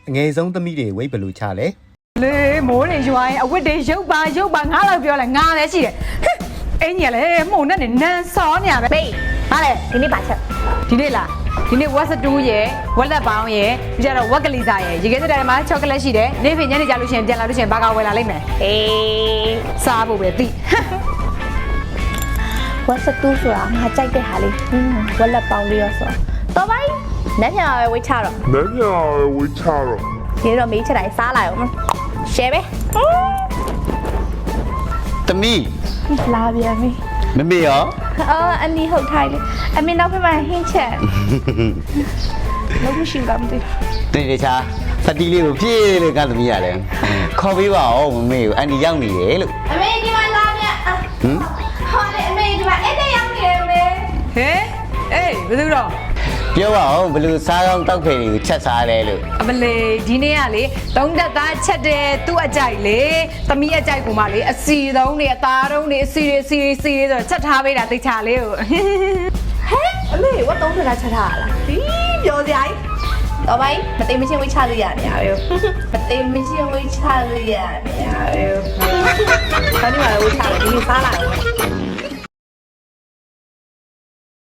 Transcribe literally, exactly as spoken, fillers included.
ငယ်ဆုံးသမီးတွေဝိတ်ဘလူချလဲလေမိုးတွေရွာရင်အဝတ်တွေရုပ်ပါရုပ်ပါငါးလောက်ပြောလဲငါလည်းရှိတယ်အင်းကြီးလည်းမှုန်နဲ့နန်းစောနေရပဲဘေးဟာလေဒီနေ့ပါချက်ဒီနေ့လားဒီနေ့ဝက်စတူးရယ်ဝက်လက်ပေါင်းရယ်ပြီးကြတော့ဝက်ကလေးစားရယ်ရေခဲစတဲ့မှာချောကလက်ရှိတယ်နေ့ပြင်ညနေကြလို့ရှိရင်ပြန်လာလို့ရှိရင်ဘာကဝယ်လာလိမ့်မယ်အေးစားဖို့ပဲသိဝက်စတူးဆိုတာငါကြိုက်တဲ့ဟာလေးဝက်လက်ပေါင်းလေးရောဆိုတော့ပိုင်းလက်ညာပဲဝေးချတော့လက်ညာပဲဝေးချတော့ဒီတော့မေးချက်တိုင်းစားလိုက်အောင်ရှယ်ပဲသမီးလာပြန်ပြီမမေရောအော်အနီဟုတ်ထိုင်လေအမေနောက်ဖက်မှာဟင်းချက်လုံးမရှိဘူးမသိတေးတခြားဖတီလေးကိုပြေးလို့ကသမီးရတယ်ခေါ်ပေးပါဦးမမေကိုအန်ဒီရောက်နေတယ်လို့အမေဒီမှာလာပြန်ဟမ်ဟောလေအမေဒီမှာအဲ့တဲ့ရောက်နေတယ်မေဟဲအေးဘယ်သူတော့ပြောပါဦးဘယ်လိုစားကောင်းတောက်ဖယ်တွေကိုချက်စားလဲလို့အမလေးဒီနေ့ကလေသုံးတက်သားချက်တယ်သူ့အကြိုက်လေသမီးအကြိုက်ကူမလေးအစီသုံးတွေအသားသုံးတွေအစီတွေစီတွေစီတွေဆိုချက်ထားပေးတာသိချလေးကိုဟဲအမေဝတ်သုံးထတာချက်ထားလားဒီပြောစရာကြီးတော့ဘာမသိမချင်းဝိချလို့ရနေရပဲမသိမချင်းဝိချလို့ရနေရပဲဘာလို့လဲဝိချလဲဒီနေ့စားလာတယ်